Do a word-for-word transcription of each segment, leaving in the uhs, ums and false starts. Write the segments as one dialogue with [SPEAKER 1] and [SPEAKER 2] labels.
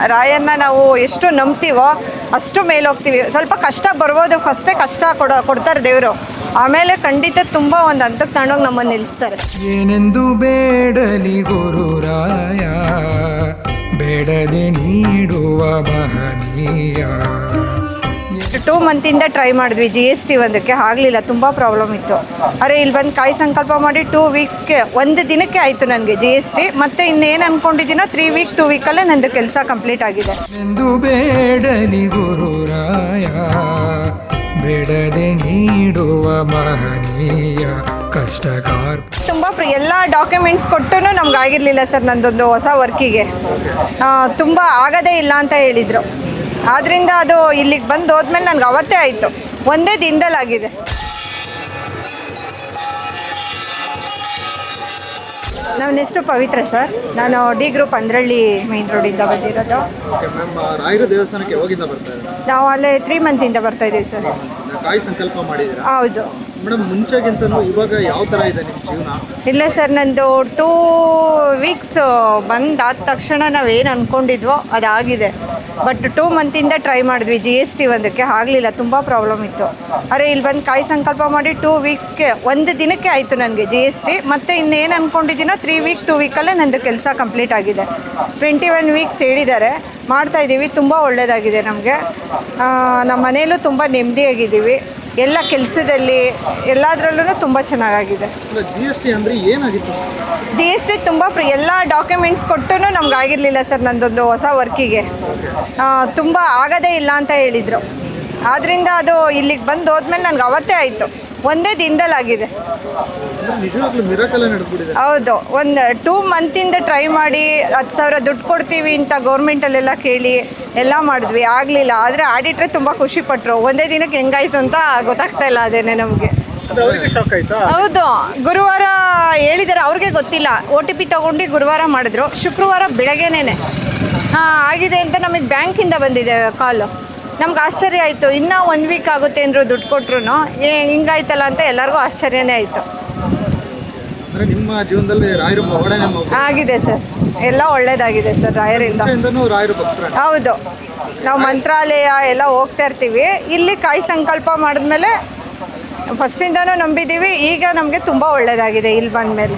[SPEAKER 1] ರಾಯನ್ನ ನಾವು ಎಷ್ಟು ನಂಬ್ತೀವೋ ಅಷ್ಟು ಮೇಲೆ ಹೋಗ್ತೀವಿ. ಸ್ವಲ್ಪ ಕಷ್ಟ ಬರ್ಬೋದು, ಫಸ್ಟೇ ಕಷ್ಟ ಕೊಡೋ ಕೊಡ್ತಾರೆ ದೇವರು, ಆಮೇಲೆ ಖಂಡಿತ ತುಂಬ ಒಂದು ಹಂತಕ್ಕೆ ತಗೊಂಡೋಗಿ ನಮ್ಮನ್ನು ನಿಲ್ಲಿಸ್ತಾರೆ.
[SPEAKER 2] ಏನೆಂದು ಬೇಡಲಿ ಗುರುರಾಯ, ಬೇಡದೆ ನೀಡುವ ಮಹನೀಯ.
[SPEAKER 1] ಟೂ ಮಂತಿಂದ ಟ್ರೈ ಮಾಡಿದ್ವಿ ಜಿ ಎಸ್ ಟಿ ಒಂದಕ್ಕೆ, ಆಗಲಿಲ್ಲ, ತುಂಬ ಪ್ರಾಬ್ಲಮ್ ಇತ್ತು. ಅರೆ ಇಲ್ಲಿ ಬಂದು ಕಾಯಿ ಸಂಕಲ್ಪ ಮಾಡಿ ಟೂ ವೀಕ್ಸ್ಗೆ ಒಂದು ದಿನಕ್ಕೆ ಆಯಿತು ನನಗೆ ಜಿ ಎಸ್ ಟಿ. ಮತ್ತು ಇನ್ನೇನು ಅಂದ್ಕೊಂಡಿದ್ದೀನೋ ತ್ರೀ ವೀಕ್ ಟೂ ವೀಕಲ್ಲೇ ನಂದು ಕೆಲಸ ಕಂಪ್ಲೀಟ್ ಆಗಿದೆ.
[SPEAKER 2] ಎಂದು ಬೇಡಲಿ ಗುರುರಾಯ, ಬೇಡದೆ ನೀಡುವ ಮಹನೀಯ ಕಷ್ಟಕಾರ.
[SPEAKER 1] ತುಂಬ ಫ್ರೀ ಎಲ್ಲ ಡಾಕ್ಯುಮೆಂಟ್ಸ್ ಕೊಟ್ಟು ನಮ್ಗೆ ಆಗಿರಲಿಲ್ಲ ಸರ್ ನಂದೊಂದು ಹೊಸ ವರ್ಕಿಗೆ. ತುಂಬ ಆಗೋದೇ ಇಲ್ಲ ಅಂತ ಹೇಳಿದರು. ಆದ್ದರಿಂದ ಅದು ಇಲ್ಲಿಗೆ ಬಂದು ಹೋದ್ಮೇಲೆ ನನಗೆ ಅವತ್ತೇ ಆಯಿತು, ಒಂದೇ ದಿನದಲ್ಲಾಗಿದೆ. ನನ್ನ ಹೆಸರು ಪವಿತ್ರ ಸರ್, ನಾನು ಡಿ ಗ್ರೂಪ್ ಅಂದ್ರಳ್ಳಿ ಮೈನ್ ರೋಡಿಂದ ಬಂದಿರೋದು.
[SPEAKER 3] ರಾಯರ ದೇವಸ್ಥಾನಕ್ಕೆ ಯಾವಾಗಿಂದ ಬರ್ತಾ ಇದ್ದೀರಾ?
[SPEAKER 1] ನಾವು ಅಲ್ಲೇ ತ್ರೀ ಮಂತಿಂದ ಬರ್ತಾ ಇದ್ದೀವಿ ಸರ್.
[SPEAKER 3] ಕಾಯಿ ಸಂಕಲ್ಪ ಮಾಡಿದ್ದೀರಾ?
[SPEAKER 1] ಹೌದು
[SPEAKER 3] ಮೇಡಮ್, ಮುಂಚೆಗಿಂತನೂ ಇವಾಗ ಯಾವ ಥರ ಇದೆ ನಿಮ್ಮ ಜೀವನ?
[SPEAKER 1] ಇಲ್ಲ ಸರ್, ನಂದು ಟೂ ವೀಕ್ಸ್ ಬಂದಾದ ತಕ್ಷಣ ನಾವೇನು ಅಂದ್ಕೊಂಡಿದ್ವೋ ಅದಾಗಿದೆ. ಬಟ್ ಟೂ ಮಂತಿಂದ ಟ್ರೈ ಮಾಡಿದ್ವಿ ಜಿ ಎಸ್ ಟಿ ಒಂದಕ್ಕೆ, ಆಗಲಿಲ್ಲ, ತುಂಬ ಪ್ರಾಬ್ಲಮ್ ಇತ್ತು. ಅರೆ ಇಲ್ಲಿ ಬಂದು ಕಾಯಿ ಸಂಕಲ್ಪ ಮಾಡಿ ಟೂ ವೀಕ್ಸ್ಗೆ ಒಂದು ದಿನಕ್ಕೆ ಆಯಿತು ನನಗೆ ಜಿ ಎಸ್ ಟಿ. ಮತ್ತು ಇನ್ನೇನು ಅಂದ್ಕೊಂಡಿದ್ದೀನೋ ತ್ರೀ ವೀಕ್ ಟೂ ವೀಕಲ್ಲೇ ನಂದು ಕೆಲಸ ಕಂಪ್ಲೀಟ್ ಆಗಿದೆ. ಟ್ವೆಂಟಿ ಒನ್ ವೀಕ್ಸ್ ಹೇಳಿದ್ದಾರೆ, ಮಾಡ್ತಾಯಿದ್ದೀವಿ, ತುಂಬ ಒಳ್ಳೆಯದಾಗಿದೆ ನಮಗೆ. ನಮ್ಮ ಮನೆಯಲ್ಲೂ ತುಂಬ ನೆಮ್ಮದಿಯಾಗಿದ್ದೀವಿ, ಎಲ್ಲ ಕೆಲಸದಲ್ಲಿ ಎಲ್ಲದರಲ್ಲೂ ತುಂಬ ಚೆನ್ನಾಗಾಗಿದೆ.
[SPEAKER 3] ಜಿ ಎಸ್ ಟಿ ಅಂದರೆ ಏನಾಗಿತ್ತು?
[SPEAKER 1] ಜಿ ಎಸ್ ಟಿ ತುಂಬ ಫ್ರೀ ಎಲ್ಲ ಡಾಕ್ಯುಮೆಂಟ್ಸ್ ಕೊಟ್ಟು ನಮ್ಗೆ ಆಗಿರಲಿಲ್ಲ ಸರ್ ನಂದೊಂದು ಹೊಸ ವರ್ಕಿಗೆ. ತುಂಬ ಆಗೋದೇ ಇಲ್ಲ ಅಂತ ಹೇಳಿದರು. ಆದ್ದರಿಂದ ಅದು ಇಲ್ಲಿಗೆ ಬಂದು ಹೋದ್ಮೇಲೆ ನನಗೆ ಅವತ್ತೇ ಆಯಿತು, ಒಂದೇ ದಿನದಲ್ಲಾಗಿದೆ. ಹೌದು, ಒಂದು ಟೂ ಮಂತಿಂದ ಟ್ರೈ ಮಾಡಿ ಹತ್ತು ಸಾವಿರ ದುಡ್ಡು ಕೊಡ್ತೀವಿ ಅಂತ ಗೌರ್ಮೆಂಟಲ್ಲೆಲ್ಲ ಕೇಳಿ ಎಲ್ಲ ಮಾಡಿದ್ವಿ, ಆಗಲಿಲ್ಲ. ಆದರೆ ಆಡಿಟ್ರೆ ತುಂಬ ಖುಷಿಪಟ್ಟರು, ಒಂದೇ ದಿನಕ್ಕೆ ಹೆಂಗಾಯ್ತು ಅಂತ ಗೊತ್ತಾಗ್ತಾ ಇಲ್ಲ ಅದೇನೆ ನಮಗೆ. ಹೌದು, ಗುರುವಾರ ಹೇಳಿದ್ದಾರೆ, ಅವ್ರಿಗೆ ಗೊತ್ತಿಲ್ಲ. ಒ ಟಿ ಪಿ ತೊಗೊಂಡು ಗುರುವಾರ ಮಾಡಿದ್ರು, ಶುಕ್ರವಾರ ಬೆಳಗ್ಗೆನೇ ಹಾಂ ಆಗಿದೆ ಅಂತ ನಮಗೆ ಬ್ಯಾಂಕಿಂದ ಬಂದಿದೆ ಕಾಲು. ನಮ್ಗೆ ಆಶ್ಚರ್ಯ ಆಯಿತು, ಇನ್ನೂ ಒನ್ ವೀಕ್ ಆಗುತ್ತೆ ಅಂದರು, ದುಡ್ಡು ಕೊಟ್ಟರು ಏ ಹಿಂಗಾಯ್ತಲ್ಲ ಅಂತ ಎಲ್ಲರಿಗೂ ಆಶ್ಚರ್ಯನೇ ಆಯಿತು.
[SPEAKER 3] ನಿಮ್ಮ ಜೀವನದಲ್ಲಿ ರಾಯರ ಪವಾಡನೆ
[SPEAKER 1] ಆಗಿದೆ ಸರ್, ಎಲ್ಲ ಒಳ್ಳೇದಾಗಿದೆ ಸರ್ ರಾಯರಿಂದ. ಹೌದು, ನಾವು ಮಂತ್ರಾಲಯ ಎಲ್ಲ ಹೋಗ್ತಾ ಇರ್ತೀವಿ. ಇಲ್ಲಿ ಕಾಯಿ ಸಂಕಲ್ಪ ಮಾಡಿದ್ಮೇಲೆ ಫಸ್ಟಿಂದನೂ ನಂಬಿದ್ದೀವಿ, ಈಗ ನಮಗೆ ತುಂಬ ಒಳ್ಳೇದಾಗಿದೆ ಇಲ್ಲಿ ಬಂದಮೇಲೆ.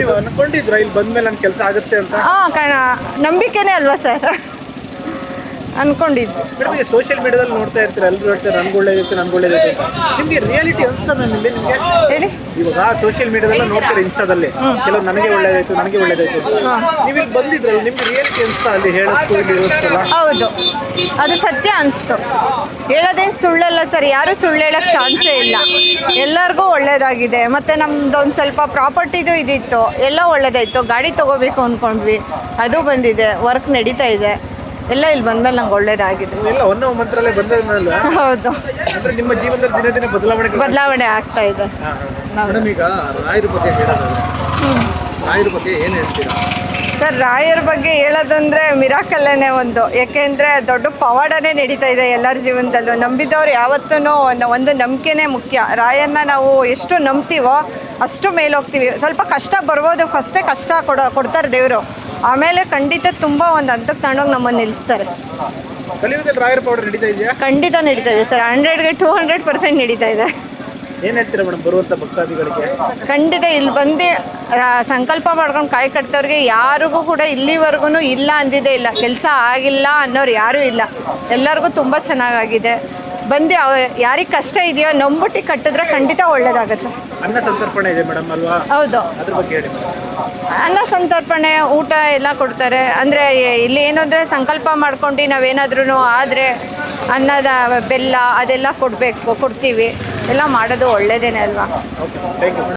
[SPEAKER 1] ಹಾಂ, ಕಣ ನಂಬಿಕೆನೇ ಅಲ್ವಾ ಸರ್, ಅನ್ಕೊಂಡಿದ್ದು.
[SPEAKER 4] ನಿಮಗೆ ಸೋಷಿಯಲ್ ಮೀಡಿಯಾದಲ್ಲಿ ನೋಡ್ತಾ ಇರ್ತೀರ, ಎಲ್ಲರೂ ಹೇಳ್ತಾರೆ ನನ್ಗೆ ಒಳ್ಳೇದಿತ್ತು ನನ್ಗೆ ಒಳ್ಳೇದಿತ್ತು. ನಿಮಗೆ ರಿಯಾಲಿಟಿ ಅನ್ಸ್ತಾ ನಿಮಗೆ
[SPEAKER 1] ಹೇಳಿ?
[SPEAKER 4] ಇವಾಗ ಸೋಷಿಯಲ್ ಮೀಡಿಯಾದಲ್ಲ ನೋಡ್ತಾರೆ, ಇನ್ಸ್ಟಾದಲ್ಲಿ ಕೆಲವು ನನಗೆ ಒಳ್ಳೇದಾಯ್ತು ನನಗೆ ಒಳ್ಳೇದಾಯ್ತು. ನೀವು ಇಲ್ಲಿ ಬಂದಿದ್ರಲ್ಲ, ನಿಮ್ಗೆ ರಿಯಾಲಿಟಿ ಅನ್ಸ್ತಾ ಅಲ್ಲಿ ಹೇಳೋದು?
[SPEAKER 1] ಹೌದು, ಅದು ಸತ್ಯ ಅನಿಸ್ತು. ಹೇಳೋದೇನು ಸುಳ್ಳಲ್ಲ ಸರ್, ಯಾರು ಸುಳ್ಳು ಹೇಳೋಕ್ಕೆ ಚಾನ್ಸೇ ಇಲ್ಲ. ಎಲ್ಲರಿಗೂ ಒಳ್ಳೇದಾಗಿದೆ. ಮತ್ತು ನಮ್ದೊಂದು ಸ್ವಲ್ಪ ಪ್ರಾಪರ್ಟಿದು ಇದಿತ್ತು, ಎಲ್ಲ ಒಳ್ಳೇದಾಯಿತು. ಗಾಡಿ ತೊಗೋಬೇಕು ಅಂದ್ಕೊಂಡ್ವಿ, ಅದು ಬಂದಿದೆ, ವರ್ಕ್ ನಡೀತಾ ಇದೆ, ಎಲ್ಲ ಇಲ್ಲಿ ಬಂದ್ಮೇಲೆ ನಂಗೆ ಒಳ್ಳೇದಾಗಿದೆ.
[SPEAKER 4] ಎಲ್ಲ ಒನ್ನ ಮಂತ್ರಾಲಯ ಬಂದ್ಮೇಲೆ
[SPEAKER 1] ಹೌದು,
[SPEAKER 4] ಅಂದ್ರೆ ನಿಮ್ಮ ಜೀವನದಲ್ಲಿ ದಿನ ದಿನ ಬದಲಾವಣೆ
[SPEAKER 1] ಬದಲಾವಣೆ ಆಗ್ತಾ ಇದೆ.
[SPEAKER 3] ಮೇಡಮ್, ಈಗ ರಾಯರ ಬಗ್ಗೆ ಹೇಳೋದಾದ್ರೆ ರಾಯರ ಬಗ್ಗೆ ಏನು ಹೇಳ್ತೀರಾ?
[SPEAKER 1] ಸರ್, ರಾಯರ ಬಗ್ಗೆ ಹೇಳೋದಂದರೆ ಮಿರಾಕಲ್ಲೇ ಒಂದು. ಯಾಕೆಂದರೆ ದೊಡ್ಡ ಪವಾಡನೇ ನಡೀತಾ ಇದೆ ಎಲ್ಲರ ಜೀವನದಲ್ಲೂ. ನಂಬಿದವ್ರು ಯಾವತ್ತೂ ಒಂದು ನಂಬಿಕೆನೇ ಮುಖ್ಯ. ರಾಯನ್ನ ನಾವು ಎಷ್ಟು ನಂಬ್ತೀವೋ ಅಷ್ಟು ಮೇಲೆ ಹೋಗ್ತೀವಿ. ಸ್ವಲ್ಪ ಕಷ್ಟ ಬರ್ಬೋದು, ಫಸ್ಟೇ ಕಷ್ಟ ಕೊಡೋ ಕೊಡ್ತಾರೆ ದೇವರು, ಆಮೇಲೆ ಖಂಡಿತ ತುಂಬ ಒಂದು ಹಂತಕ್ಕೆ ತಗೊಂಡೋಗಿ ನಮ್ಮನ್ನು ನಿಲ್ಲಿಸ್ತಾರೆ.
[SPEAKER 4] ಕಲಿಯುಗದಲ್ಲಿ ರಾಯರ ಪೌಡರ್ ನಡೀತಾ ಇದೆಯಾ?
[SPEAKER 1] ಖಂಡಿತ ನಡೀತಾ ಇದೆ ಸರ್, ಹಂಡ್ರೆಡ್ಗೆ ಟೂ ಹಂಡ್ರೆಡ್ ಪರ್ಸೆಂಟ್ ನಡೀತಾ ಇದೆ.
[SPEAKER 4] ಏನು ಹೇಳ್ತೀರಾ ಮೇಡಮ್ ಬರುವಂಥ ಭಕ್ತಾದಿಗಳಿಗೆ?
[SPEAKER 1] ಖಂಡಿತ ಇಲ್ಲಿ ಬಂದು ಸಂಕಲ್ಪ ಮಾಡ್ಕೊಂಡು ಕಾಯಿ ಕಟ್ತವ್ರಿಗೆ ಯಾರಿಗೂ ಕೂಡ ಇಲ್ಲಿವರೆಗೂ ಇಲ್ಲ ಅಂದಿದ್ದೇ ಇಲ್ಲ, ಕೆಲಸ ಆಗಿಲ್ಲ ಅನ್ನೋರು ಯಾರೂ ಇಲ್ಲ. ಎಲ್ಲರಿಗೂ ತುಂಬ ಚೆನ್ನಾಗಾಗಿದೆ. ಬಂದು ಯಾರಿಗೆ ಕಷ್ಟ ಇದೆಯೋ ನಂಬಿಟ್ಟು ಕಟ್ಟಿದ್ರೆ ಖಂಡಿತ ಒಳ್ಳೇದಾಗುತ್ತೆ.
[SPEAKER 4] ಅನ್ನ ಸಂತರ್ಪಣೆ ಇದೆ ಮೇಡಮ್ ಅಲ್ವಾ?
[SPEAKER 1] ಹೌದು,
[SPEAKER 4] ಅದ್ರ ಬಗ್ಗೆ ಹೇಳಿ.
[SPEAKER 1] ಅನ್ನ ಸಂತರ್ಪಣೆ, ಊಟ ಎಲ್ಲ ಕೊಡ್ತಾರೆ. ಅಂದರೆ ಇಲ್ಲಿ ಏನು ಅಂದರೆ ಸಂಕಲ್ಪ ಮಾಡ್ಕೊಂಡು ನಾವೇನಾದ್ರೂ ಆದರೆ ಅನ್ನದ ಬೆಲ್ಲ ಅದೆಲ್ಲ ಕೊಡಬೇಕು, ಕೊಡ್ತೀವಿ. ಎಲ್ಲ ಮಾಡೋದು ಒಳ್ಳೆಯದೇನೆ ಅಲ್ವಾ?
[SPEAKER 4] Okay, thank you.